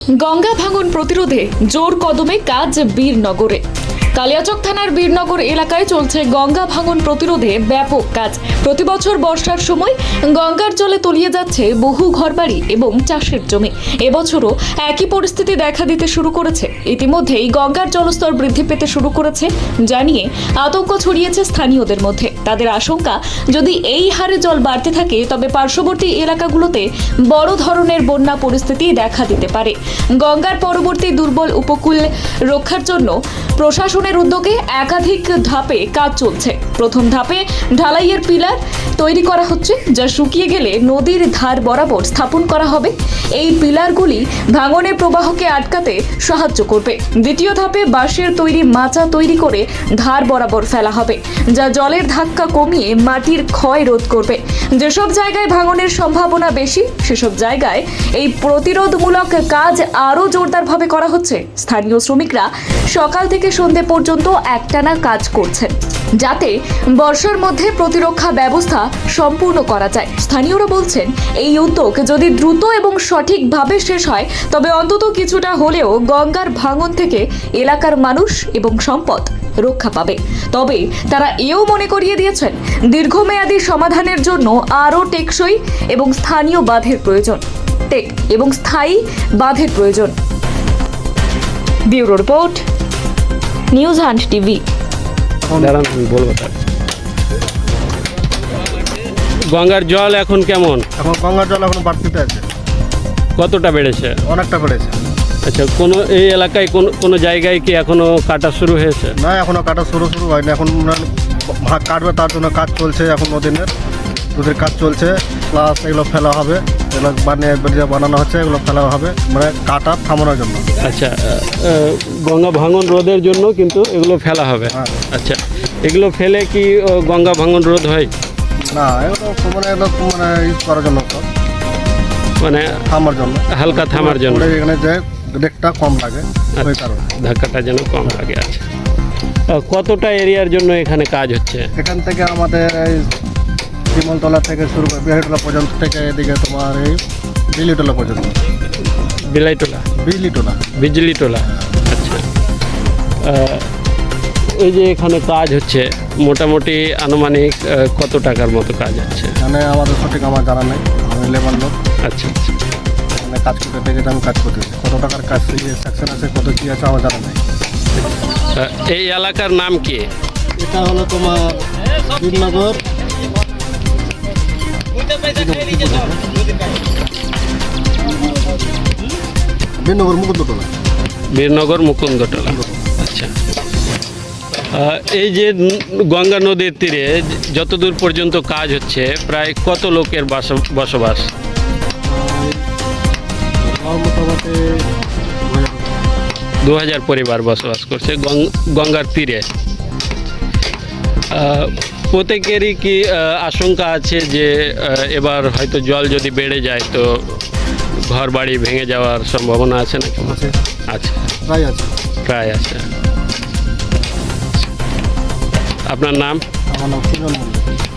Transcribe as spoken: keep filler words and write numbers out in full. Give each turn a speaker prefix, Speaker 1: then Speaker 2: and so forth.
Speaker 1: গঙ্গা ভাঙন প্রতিরোধে জোর কদমে কাজ বীরনগরে। কালিয়াচক থানার বীরনগর এলাকায় চলছে গঙ্গা ভাঙন প্রতিরোধে ব্যাপক কাজ। প্রতি বছর বর্ষার সময় গঙ্গার জলে তলিয়ে যাচ্ছে বহু ঘরবাড়ি এবং চাষের জমি। এবছরও একই পরিস্থিতি দেখা দিতে শুরু করেছে। ইতিমধ্যেই গঙ্গার জলস্তর বৃদ্ধি পেতে শুরু করেছে জানিয়ে আতঙ্ক ছড়িয়েছে স্থানীয়দের মধ্যে। তাদের আশঙ্কা, যদি এই হারে জল বাড়তে থাকে তবে পার্শ্ববর্তী এলাকাগুলোতে বড় ধরনের বন্যা পরিস্থিতি দেখা দিতে পারে। গঙ্গার পরবর্তী দুর্বল উপকূল রক্ষার জন্য প্রশাসনের উদ্যোগে একাধিক ধাপে কাজ চলছে। প্রথম ধাপে ঢালাইয়ের পিলার তৈরি করা হচ্ছে, যা শুকিয়ে গেলে নদীর ধার বরাবর স্থাপন করা হবে। এই পিলারগুলি ভাঙনের প্রবাহকে আটকাতে সাহায্য করবে। দ্বিতীয় ধাপে বাঁশের তৈরি মাচা তৈরি করে ধার বরাবর ফেলা হবে, যা জলের ধাক্কা কমিয়ে মাটির ক্ষয় রোধ করবে। যেসব জায়গায় ভাঙনের সম্ভাবনা বেশি সেসব জায়গায় এই প্রতিরোধমূলক কাজ আরও জোরদারভাবে করা হচ্ছে। স্থানীয় শ্রমিকরা সকাল থেকে সন্ধে পর্যন্ত একটানা কাজ করছেন, যাতে বর্ষার মধ্যে প্রতিরক্ষা ব্যবস্থা সম্পূর্ণ করা যায়। স্থানীয়রা বলছেন, এই উদ্যোগ যদি দ্রুত এবং সঠিকভাবে শেষ হয় তবে অন্তত কিছুটা হলেও গঙ্গার ভাঙন থেকে এলাকার মানুষ এবং সম্পদ রক্ষা পাবে। তবে তারা এও মনে করিয়ে দিয়েছেন, দীর্ঘমেয়াদী সমাধানের জন্য আরও টেকসই এবং স্থানীয় বাঁধের প্রয়োজন টেক এবং স্থায়ী বাঁধের প্রয়োজন। Bureau report, news hunt TV.
Speaker 2: দাঁড়ান আমি বলবো। তার গঙ্গার জল এখন কেমন?
Speaker 3: এখন গঙ্গার জল এখন বাড়তিতে আছে।
Speaker 2: কতটা বেড়েছে?
Speaker 3: অনেকটা বেড়েছে।
Speaker 2: আচ্ছা, কোনো এই এলাকায় কোনো কোনো জায়গায় কি এখনো কাটা শুরু হয়েছে?
Speaker 3: না, এখনো কাটা শুরু শুরু হয়নি। এখন ভাগ কাটবে, তার জন্য কাজ চলছে। এখন নদীনের নদীর কাজ চলছে, প্লাস এগুলো ফেলা হবে। এগুলো বানিয়ে বেরিয়ে বানানো হচ্ছে, এগুলো ফেলা হবে মানে কাটা থামানোর জন্য।
Speaker 2: আচ্ছা, আহ, গঙ্গা ভাঙন রোধের জন্য কিন্তু এগুলো ফেলা হবে।
Speaker 3: হ্যাঁ।
Speaker 2: আচ্ছা, এগুলো ফেলে কি আহ, গঙ্গা ভাঙন রোধ হয়?
Speaker 3: না, এগুলো মানে এগুলো মানে ইউজ করার জন্য সব
Speaker 2: মানে
Speaker 3: থামার জন্য,
Speaker 2: হালকা থামার জন্য,
Speaker 3: পরে এখানে যে রেটটা কম লাগে ওই কারণে।
Speaker 2: ধাক্কাটা যেন কম লাগে। আচ্ছা, আহ, কতটা এরিয়ার জন্য এখানে কাজ হচ্ছে?
Speaker 3: এখান থেকে আমাদের এই বিমলতলা থেকে শুরু করে বিহারিটোলা পর্যন্ত, থেকে এদিকে তোমার এই বিলিটোলা পর্যন্ত।
Speaker 2: বিলাইটোলা,
Speaker 3: বিলিটোলা,
Speaker 2: বিজলিটোলা। আচ্ছা, আহ, এই যে এখানে কাজ হচ্ছে, মোটামুটি আনুমানিক আহ, কত টাকার মতো কাজ হচ্ছে?
Speaker 3: মানে আমাদের সঠিক আমার জানা নেই, আমি লেবার লোক।
Speaker 2: আচ্ছা আচ্ছা,
Speaker 3: মানে কাজ করতে থেকে আমি কাজ করতেছি, কত টাকার কাজ সেকশন আছে, কত কী আছে আমার জানা নেই।
Speaker 2: আহ, এই এলাকার নাম কি?
Speaker 3: এটা হলো তোমার বীরনগর বীরনগর মুকুন্দটোলা।
Speaker 2: বীরনগর মুকুন্দটোলা। আচ্ছা, আহ, এই যে ন- গঙ্গা নদীর তীরে যতদূর পর্যন্ত কাজ হচ্ছে, প্রায় কত লোকের বাস- বসবাস?
Speaker 3: আর মোটামুটি
Speaker 2: দু হাজার পরিবার বসবাস করছে গং- গঙ্গার তীরে। আহ, প্রত্যেকেরই কি আহ, আশঙ্কা আছে যে আহ, এবার হয়তো জল যদি বেড়ে যায় তো ঘর বাড়ি ভেঙে যাওয়ার সম্ভাবনা আছে নাকি?
Speaker 3: আছে,
Speaker 2: আচ্ছা,
Speaker 3: প্রায় আছে।
Speaker 2: প্রায় আছে। আপনার নাম?
Speaker 3: আমার নাম সুজন মন্ডল।